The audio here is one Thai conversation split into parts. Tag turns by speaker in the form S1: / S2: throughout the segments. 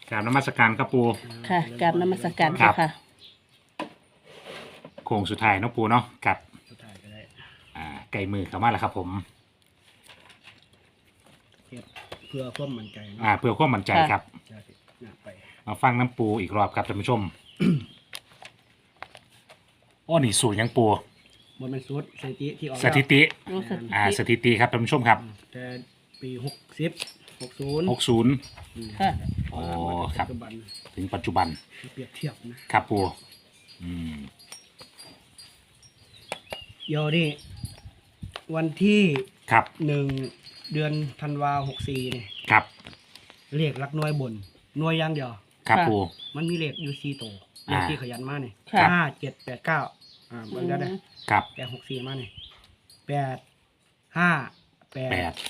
S1: กราบนมัสการครับปู
S2: ค่ะกราบนมัสการ
S1: ครับ
S2: ค่ะ
S1: โค้งสุดท้ายเนาะปูเนาะกับ
S3: สุดท้ายก็ได้
S1: ไก่มือเข้ามาแล้วครับผม
S3: เฮ็ดเพื่อความมั่นใจนะ
S1: เพื่อความมั่นใจครับ
S3: จะสิน่าไป
S1: มาฟังน้ำปูอีกรอบครับท่านผู้ชม อ้อนี่สูตรยังปู
S3: บ่แม่นสุดสถิติที่ออก
S1: สถิติ
S2: รู้สึก
S1: สถิติครับท่านผู้ชมครับ
S3: แต่ปี60
S1: 60
S2: ค่ะ
S1: โอ้ครับ
S3: ปัจจุบัน
S1: ถึงปัจจุบัน
S3: เปรียบเทียบนะครับ
S1: ปูอืม
S3: เดี๋ยวนี้วันที่
S1: ครับ
S3: 1 เดือนธันวา64นี่
S1: ครับ
S3: เลขหลักหน่วยบนหน่วยอย่างเดียว
S1: ครับปู
S3: มันมีเลขอยู่4ตัวเลขที่ขยันมานี่
S2: ค่ะ
S3: 5 7 8 9เบิ่งได้เด้อ
S1: ครับ
S3: แต่64มานี่8 5
S1: แป
S3: 8
S1: ด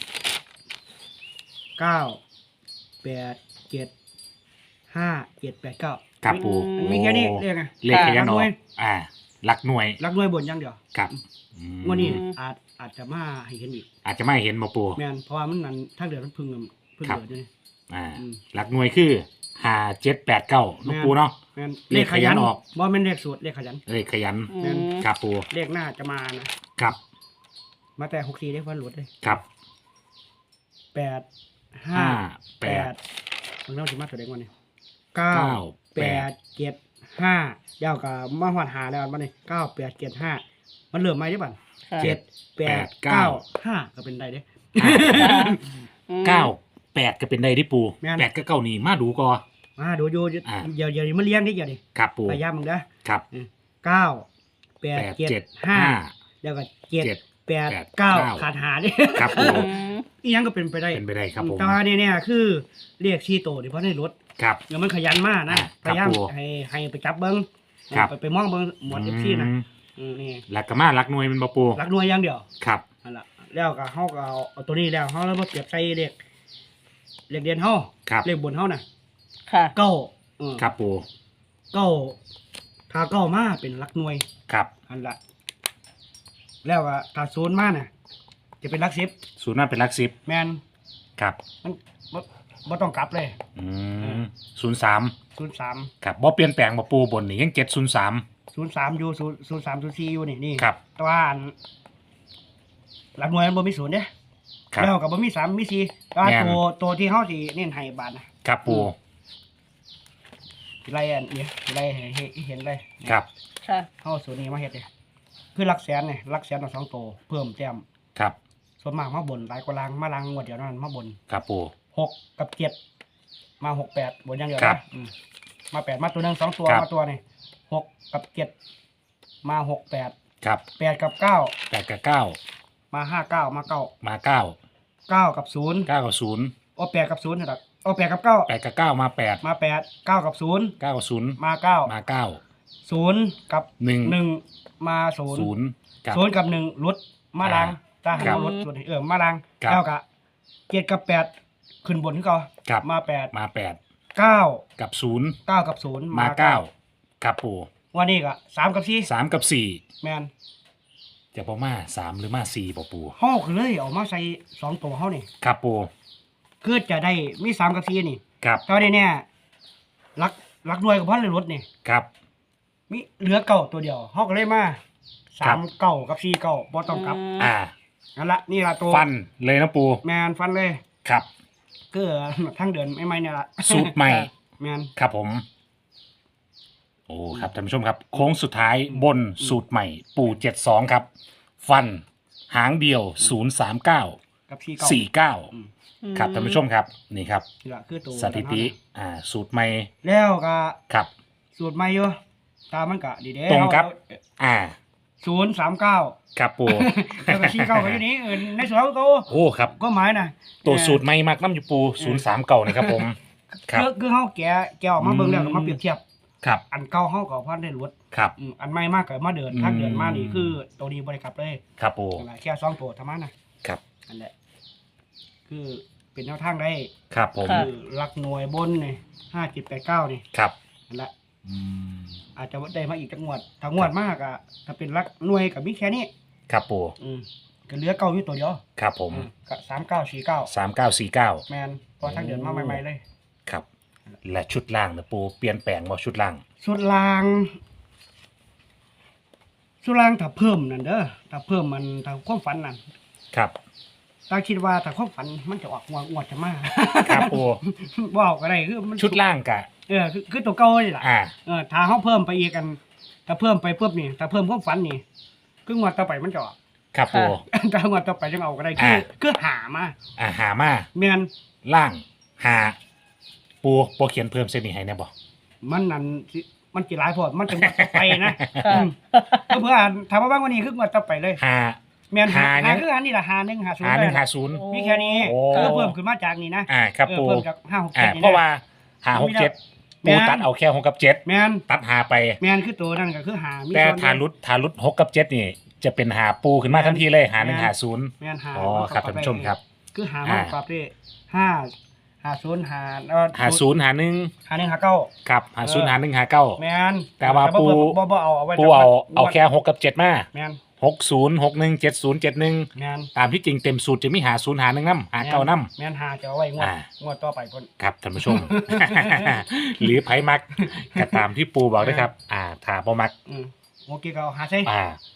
S3: 9 8 7 5 7 8 9
S1: ครับปู
S3: มันมีแค่นี้เรียกไง
S1: เลขขยันออก
S3: หน่วย
S1: หลักหน่วย
S3: รักหน่วยบนอย่างเดียว
S1: ครับอืม
S3: งวันนี้อาจจะมาให้เห็นอีก
S1: อาจจะไม่เห็นบ่ปู
S3: แม่นเพราะว่ามันนั้นทางเดือนมันเพึ่ง
S1: ครับ
S3: เดือนอยู่นี่ อืม
S1: หลักหน่วยคือ5789ลูกปูเนาะ
S3: แม่น
S1: เลขขยันออก
S3: บ่แม่นเลขสูตรเลขขยัน
S1: เลขขยัน
S2: อืม
S1: ครับปู
S3: เลขหน้าจะมานะครับ มาแต่64เลขวันหลุดเลย
S1: ครับ
S3: 8 5 8มันเริ่มสิมาตัวเด็กวันนี้9 8 7 5ยาวกับมาหอดหาแล้ววันนี้9 8 7 5มันเริ่มใหม่ได้ป่ะ
S2: ค่ะ
S3: 7 8 9 5ก็เป็นได้เด้
S1: 8ก็เป็นได้ที่ปู
S3: แม่น
S1: 8กับ9นี่มาดูก่อ
S3: มาดูอยู่
S1: อ่า
S3: เดี๋ยวมาเลี้ยงดิเดี๋ยวดิ
S1: ครับปู
S3: พยายามมึงเด้อ
S1: ครับ
S3: 9 8 7 5แล้วก็7 8 9ขาดหาดิ
S1: ครับปู
S3: อีหยังก็เป็นไปได้
S1: เป็นไปได้ครับผม
S3: แต่ว่าเนี่ยคือเรียกชีโตดิเพราะในรถ
S1: ครับ
S3: เดี๋ยวมันขยันมากนะ
S1: อ่า
S3: พยายาม
S1: ครับผม
S3: ให้ไปจับเบิ้ง
S1: ครับ
S3: ไปมองเบิ้งหมวดเอฟซีนะนี่
S1: หลักกะมาหลักหน่วยมันบ่ปู
S3: รักหน่วยอย่างเดียว
S1: ครับ
S3: นั่นล่ะแล้วก็เฮาก็เอาตัวนี้แล้วเฮาแล้วมาเปรียบใส่เลขเดียนเฮา
S1: ครับ
S3: เลขบนเฮาน่ะ
S2: ค่ะ
S3: เก้า
S1: ครับปู
S3: เก้าถ้าเก้ามาเป็นรักหน่วย
S1: ครับ
S3: อันละแล้วก็ถ้าศูนย์มาน่ะจะเป็นรักสิบ
S1: ศูนย์นั่นเป็นหลัก10
S3: แมน
S1: ครับ
S3: มันบ่ต้องกลับเลย
S1: 03
S3: 03
S1: ครับบ่เปลี่ยนแปลงบ่ปูบนนี่ยัง703
S3: 03อยู่03 04อยู่นี่
S1: ครับ
S3: แต่ว่าอันหลักหน่วยมันบ่มีศูนย์เด้
S1: ครับ
S3: แล้วก็บ่มี3มี4แต่ว่า
S1: แม่น
S3: ตัวที่เฮาสิเน้นให้บาทนะครับ
S1: ปู
S3: ไล่อันนี้ไล่ให้เห็นเลย
S1: ครับ
S2: ค่ะ
S3: เฮาสูตรนี้มาเฮ็ดเด้คือหลักแสนนี่หลักแสนเอา2ตัวเพิ่มแต้ม
S1: ครับ
S3: ส่วนมากมาบนหลายกว่าลางมาลางงวดเดียวนั้นมาบน
S1: ครับปู
S3: 6กับ7มา6 8บนอย่างเดียว
S1: ครับ
S3: นะมา8มาตัวหนึง2ตัว
S1: ครับ
S3: มาตัวนี่6กับ7มา6 8
S1: ครับ
S3: 8กับ9
S1: 8กับ9
S3: มา5 9มา9
S1: มา9
S3: 9กับ0
S1: 9กับ0
S3: โอ้8กับ0นะครับโอ้8กับ9
S1: 8กับ9มา8
S3: มา8 9กับ0
S1: 9กับ0
S3: มา9
S1: มา9
S3: 0กับ
S1: 1
S3: 1มา0
S1: 0กับ
S3: 0กับ1ลดมาลังถ้าหา
S1: ครับ
S3: ลดส่วนมาลัง
S1: ครับ
S3: 9กับ7กับ8ขึ้นบนขึ้นก่อน
S1: ครับ
S3: มา8
S1: มา8
S3: 9
S1: กับ0
S3: 9กับ0
S1: มา9ครับปู
S3: วันนี้ก็3กับ4
S1: 3กับ
S3: แม่น
S1: 4จะบ่มา3หรือมา4บ่ปู
S3: เฮาก็เลยเอามาใส่2ตัวเฮานี่
S1: ครับปู
S3: คือจะได้มี3กับ4นี่
S1: ครับ
S3: แต่ว่าเนี่ยรักหน่วยกับพันเลยลดนี่
S1: ครับ
S3: มีเหลือเก่าตัวเดียวเฮาก็เลยมา
S1: ครับ
S3: 3เก่ากับ4เก่าบ่ต้องกลับ นั่นละนี่ละตัว
S1: ฟันเลยนะปู
S3: แมนฟันเลย
S1: ครับ
S3: ก็ทั้งเดือนไม่เนี่ยละ
S1: สูตรใหม่
S3: แมน
S1: ครับผม โอ้ครับท่านผู้ชมครับ โค้งสุดท้ายบนสูตรใหม่ปู72ครับ ฟันหางเดียว039
S3: กับที่เก่า
S1: 49ครับท่านผู้ชมครับนี่ครับ
S3: นี่ละคือตัว
S1: สถิติสูตรใหม่
S3: แล้วก็
S1: ครับ
S3: สูตรใหม่อยู่ตามมันก็ดีเด้
S1: ตรงครับอ่า
S3: 039
S1: ครับปู
S3: แล้วก็4 9ก็อยู่นี่ในส่วนของตัว
S1: โอ้ครับ
S3: ก็หมายนะ
S1: ตัวสูตรใหม่มากน้ำอยู่ปู039นะครับผมครับ
S3: คือเฮาแกะออกมาเบิ่งแล้วก็มาเปรียบเทียบ
S1: ครับ
S3: อันเก่าเฮาก็พันได้ลด
S1: ครับ
S3: อันใหม่มากก็มาเดินทางเดินมานี่คือตัวนี้บ่ได้กลับเลย
S1: ครับปู
S3: นั่นล่ะแค่2ตัวเท่านั้นนะครับ นั่นแหละคือเป็นแนวทางได้
S1: ครับผม
S2: ค่ะ
S3: คือหลักหน่วยบนนี่5789นี่
S1: ครับ
S3: นั่นแหละ
S1: อืม
S3: อาจจะได้มาอีกจักงวดถ้างวดมากอะถ้าเป็นหลักหน่วยกับมีแค่นี้
S1: ครับปู
S3: ก็เหลือเก่าอยู่ตัวเดียว
S1: ครับผม
S3: ก็3949
S1: 3949
S3: แมนพอทางเดือนมาใหม่ๆเลย
S1: ครับและชุดล่างนะปูเปลี่ยนแปลงบ่ชุดล่าง
S3: ส่วนลางถ้าเพิ่มนั่นเด้อถ้าเพิ่มมันถ้าความฝันนั่น
S1: ครับ
S3: ตาคิดว่าถ้าความฝันมันจะออกงวดจะมา
S1: ครับปู
S3: บ่เอาก็ได้คือมัน
S1: ชุดล่างกะ
S3: คือตัวเก่านี่ล่ะ
S1: อ่า
S3: ถ้าเฮาเพิ่มไปอีกกันถ้าเพิ่มไปปุ๊บนี่ถ้าเพิ่มความฝันนี่คืองวดต่อไปมันจะออก
S1: ครับปู
S3: ถ้างวดต่อไปจะเอาก็ได้คือหามา
S1: หามา
S3: แม่น
S1: ล่างหาปูเขียนเพิ่มเส้นนี้ให้แน่บ่
S3: มันนั่นสิมันสิหลายโพดมันจะงวดต่อไปนะ
S2: ค่ะ
S3: เพื่อถามว่าบ้างวันนี้คืองวดต่อไปเลย
S1: หา
S3: แม่นหา
S1: หา
S3: คืออันนี้ล่ะหา1 หา
S1: หา
S3: 0
S1: หนึ่ง
S3: เลย
S1: หา
S3: นะ
S1: ศูนย์
S3: มีแค่นี้
S1: โอ้
S3: คือเพิ่มขึ้นมาจากนี้นะครับ
S1: ปู
S3: เพิ่มจาก5 6 7นี่
S1: เพราะว่า
S3: นะ
S1: หาหกเจ็ด
S3: แม่
S1: ปู
S3: น
S1: ตัดเอาแค่หกกับเจ็ด
S3: แม่น
S1: ตัดหาไป
S3: แม่นคือตัวนั่นก็คือหามี
S1: แต่
S3: ส่วน
S1: ทารุดหกกับเจ็ดนี่ จะเป็นหาปูขึ้นมาทันทีเลยหาหนึ่งหาศูนย์
S3: แม่นหา
S1: อ๋อครับท่านผู้ชมครับ
S3: คือหามาปรับได้5 0หา
S1: หาศูนย์หาหนึ่ง
S3: หา1หา9
S1: ครับหาศูนย์หาหนึ่งหาเก้า
S3: แม่น
S1: แต่ว่าปู
S3: บ่เอาไว้
S1: ปูเอาแค่หกกับเจ็ดมา
S3: แม่น
S1: 606171
S3: แม่น
S1: ตามที่จริงเต็มสูตรจะมีหาศูนย์หาหนึ่งน้ำหาเก้าน้ำ
S3: แม่นหาจะเอาไว้งวดต่อไปพุ่น
S1: ครับท่านผู้ชม หรือไผมักก็ตามที่ปูบอกด้วยครับ ถ้าบ่มัก
S3: โอเคก็เอาหาใช่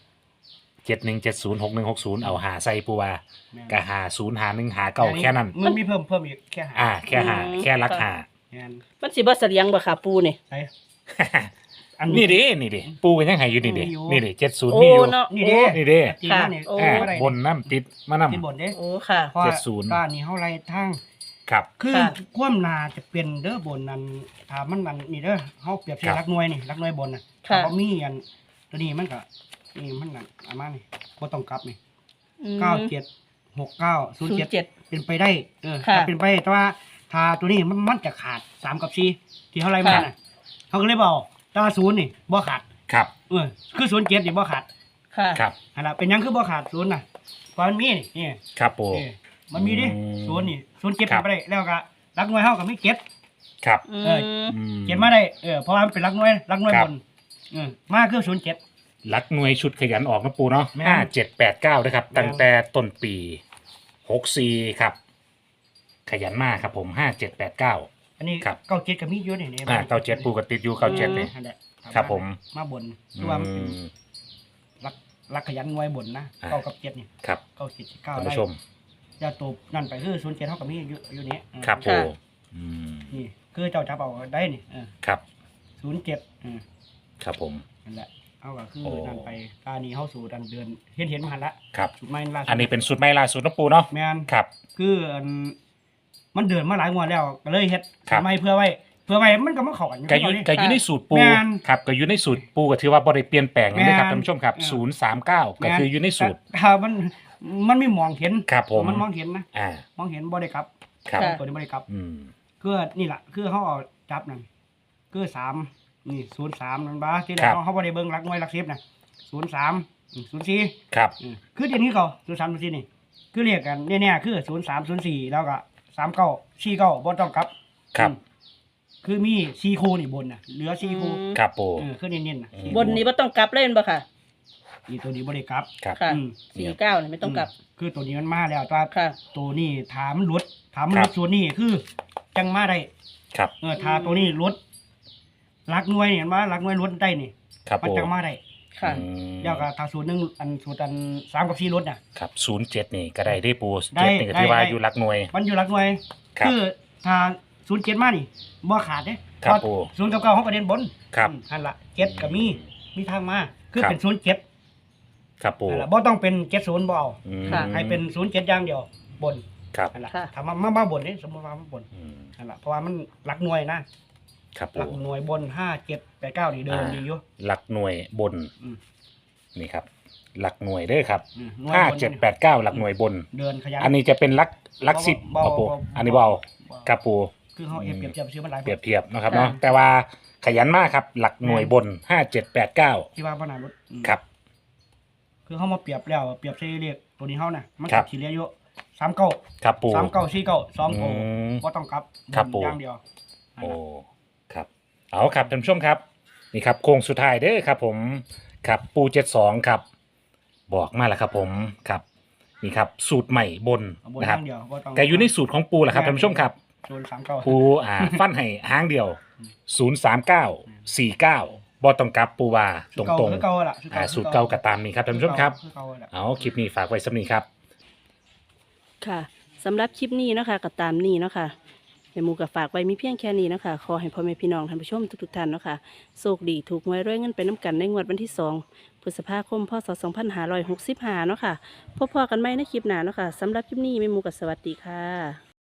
S1: 71706160เอาหาใส่ปูว่า
S3: แม่น
S1: ก็หาศูนย์หาหนึ่งหาเก้าแค่นั้น
S3: มันมีเพิ่มอีกแค่หา
S1: แค่หาแค่รักหา
S3: แม่น
S2: มันสิบ่เสลียงบ่ค่ะปูนี่
S3: ใช่อั
S1: นี่ดิปูกันยังไงอยู่นี่ดิ
S3: มีอยู่
S1: นี่ดิ70
S2: โอ้
S1: มีอยู่
S2: เนาะ
S3: นี่
S2: โอ้
S3: เด้
S1: นี่ดิ
S3: จริง
S2: ค่ะ
S3: นะนี่
S2: โอ้
S1: บนน้ำติดมานำ
S3: ที่บนเด้
S2: โอ้ค่ะ
S3: เพราะ
S1: 70
S3: บ้านนี้เฮาไล่ทาง
S1: ครับ
S3: คือ
S2: ค่ะ
S3: ความนาจะเป็นเด้อบนนั้นถ้ามันนั่นนี่เด้อเฮาเปรียบเทีย
S1: ครับ บ
S3: รักหน่วยนี่รักหน่วยบนน่ะ
S2: ค่ะ
S3: ถ้าบ่มีอันตัวนี้มันก็นี่มันนั่นอามานี่บ่ต้องกลับนี่
S2: อืม
S3: 976907
S2: 07
S3: เป็นไปได้
S2: ค่ะ
S3: ถ้าเป็นไปได้แต่ว่าถ้าตัวนี้มันจะขาด3กับ4ที่เฮาไล่มา
S2: ค่ะ
S3: น่ะเฮาก็เลยบ่เอาแต่ว่า0นี่บ่ขาด
S1: ครับ
S3: คือ07นี่บ่ขาด
S2: ค่ะ
S1: ครับ
S3: หั่นล่ะเป็นหยังคือบ่ขาด0น่ะเพราะมันมีนี่
S1: ครับปู
S3: นี่มันมีดิ
S1: อืม
S3: 0นี่0เก็บ
S1: ครับ
S3: ไปได้แล้วก็รักหน่วยเฮาก็มีเก็บ
S1: ครับ
S2: อื
S3: เออ
S2: ม
S1: อืม
S3: เก็บมาได้เพราะว่ามันเป็นรักหน่วย
S1: ครับ
S3: บนมาคือ07
S1: ลักหน่วยชุดขยันออกนะปูเนาะ
S3: แม่น
S1: 5789นะครับ
S3: แม่น
S1: ตั้งแต่ต้นปี64ครับ ขยันมากครับผม5789
S3: อันนี้
S1: ครับ
S3: 97ก็มีอยู่นี่
S1: 97ปูก็ติดอยู่97นี่
S3: นั่นแหละ
S1: ครับผม
S3: มาบนคือว่ามันเป็น
S1: อืม
S3: รักขยันหน่วยบนนะ
S1: อ่า
S3: เก้ากับ7นี่
S1: ครับ
S3: เก้า7 9
S1: ท่าน
S3: ได้
S1: ผู้ชม
S3: อย่าตัวนั่นไปคือ07เท่ากับมีอยู่นี้
S1: ครับปู
S2: ค่ะ
S1: อืม
S3: นี่คือเจ้าจับเอาได้นี่
S1: ครับ
S3: 07
S1: ครับผม
S3: นั่นแหละเอาก็คือ
S1: โอ้
S3: นั่นไปตานี้เฮาสู่ดันเดือนเห็นมาหันละ
S1: ครับ
S3: สุดไม่ล่าสุด
S1: อันนี้เป็นสูตรใหม่ล่าสุดนะปูเนาะ
S3: แม่น
S1: ครับ
S3: คือมันเดินมาหลายงวดแล้วก็เลยเฮ็ด
S1: ครับ
S3: ทำไมเพื่อไว้มันก็มาเข้ากัน
S1: ก็อยู่
S3: นี่
S1: ก็อยู่ในสูตรปู
S3: แม่น
S1: ครับก็อยู่ในสูตรปูก็ถือว่าบ่ได้เปลี่ยนแปลงเลยครับ
S3: แม่น
S1: ท่านผู้ชมครับ
S3: เออ
S1: 039ก็คืออยู่ในสูตร
S3: ถ้ามันไม่มองเห็น
S1: ครับผม
S3: มันมองเห็นนะ
S1: อ่า
S3: มองเห็นบ่ได้กลับ
S1: ครับ
S2: ค่ะ
S3: ตัวนี้บ่ได้กลับ
S1: อืม
S3: คือนี่ล่ะคือเฮาเอาจับนั่นคือ3นี่03นั่นบ่ที่แร
S1: ครั
S3: ก
S1: บ
S3: เฮาบ่ได้เบิ่งหลักหน่วยหลัก10น่ะ03 04
S1: ครับ
S3: คือเดี๋ยวนี้ก็03 04นี่คือเรียกกันแน่ๆคือ03 04แล้วก็39 49บ่ต้องกลับ
S1: ครับ
S3: คือมี4คู่นี่บนน่ะเหลือ4คู่
S1: ครับปู
S3: คือเน้นๆน่ะ
S1: อืม
S2: บนนี้บ่ต้องกลับเล่นบ่ค่ะ
S3: อีตัวนี้บ่ได้กลับ
S1: ครับ
S2: ค่ะ
S3: อืม
S2: 49นี่ไม่ต้องกลับ
S3: คือตัวนี้มันมาแล้วแต่ว่า
S2: ค่ะ
S3: ตัวนี้ถามนหลุดถามน
S1: ค
S3: ห
S1: รั
S3: ลุ
S1: บ
S3: ดส่วนนี้คือจังมาได้
S1: ครับ
S3: ถ้าตัวนี้หลุดหลักหน่วยนี่เห็นว่าหลักหน่วยหลุดได้นี่
S1: ครับ
S3: มัน
S1: ปู
S3: จังมาได้
S2: ค่ะ
S1: อืม
S3: แล้วก็ถ้าสูตรหนึงสูตร3กับ4หลุดน่ะ
S1: ครับ07นี่ก็ได้ได้ปู
S3: ได้
S1: 7นี่ก็ที่ว่า
S3: ได้
S1: อยู่หลักหน่วย
S3: มันอยู่หลักหน่วย
S1: ครับ
S3: คือถ้า07มานี่บ่ขาดเด้
S1: ครับ
S3: เพาะ
S1: ปู่
S3: 0กับ9เฮาก็เด่นบน
S1: ครับ
S3: หั่นล่ะ7ก็มีทางมาคือ
S1: ครับ
S3: เป็น07
S1: ครับปู
S3: นั่นล่ะบ่ต้องเป็น70บ่เอา
S1: อืม
S2: ค่ะ
S3: ให้เป็น07อย่างเดียวบน
S1: ครับ
S3: นั่นล่ะ
S2: ค่ะ
S3: ถ้ามาบนนี่สมมุติว่ามาบน
S1: อืม
S3: นั่นแหละเพราะว่ามันหลักหน่วยนะครับ หลั
S1: ปู
S3: กหน่วยบน5 7 8 9นี่เดินดีอยู่
S1: หลักหน่วยบน
S3: อืม
S1: นี่ครับ หลักหน่วยเด้อครับ
S3: หน่วย
S1: ห้า
S3: บน
S1: เจ็ดแปดเก้าหลักหน่วยบน
S3: เดินขยัน
S1: อันนี้จะเป็นหลักสิบ
S3: เบา
S1: ครับปู
S3: เบา
S1: อันนี้เบาครับปู
S3: คือเขาเปรียบเทียบซื้อมันหลาย
S1: เปรียบ
S3: คน
S1: เทียบนะครับ
S2: ค่ะ
S1: เนาะแต่ว่าขยันมากครับ หลักหน่วยบน5789
S3: ที่ว่าพนารถ
S1: ครับ
S3: คือเขามาเปรียบแล้วเปรียบใช้เรียกตัวนี้เขาน่ะมัน
S1: ครั
S3: กับบ ทีเรียอยู่39
S1: ครับปู
S3: 39 49 2
S1: อืม
S3: ก็ต้องกลับ
S1: ครับปู่
S3: อย่างเดียว
S1: โอ้ครับเอาครับท่านผู้ชมครับ นี่ครับโค้งสุดท้ายเด้อครับ ผมครับปู72ครับ บอกมาแล้วครับ ผมครับนี่ครับ สูตรใหม่บน
S3: เอาบน
S1: นะ
S3: อ
S1: ครับ
S3: ย่างเดียวบ่ต้อง
S1: แต่อยู่ในสูตรของปูแหละครับท่านผู้ชมครับ
S3: 039
S1: ปูฟันให้หางเดียว 039 49บ่ต้องกลับปูว่าตรง
S3: คือเก่าล่ะ
S1: ๆสูตรเก่าก็ตามนี้ครับท่านผู้ชมครับ
S3: อเก่าล่ะ
S1: เอาคลิปนี้ฝากไว้สำนี้ครับ
S2: ค่ะสำหรับคลิปนี้เนาะค่ะก็ตามนี้เนาะค่ะแม่หมูก็ฝากไว้มีเพียงแค่นี้เนาะค่ะขอให้พ่อแม่พี่น้องท่านผู้ชมทุกๆท่านเนาะค่ะโชคดีถูกหวยรวยเงินไปน้ำกันในงวดวันที่2 พฤษภาคมพศ2565เนาะค่ะพบกันใหม่ในคลิปหน้าเนาะค่ะสำหรับคลิปนี้แม่หมูก็สวัสดีค่ะ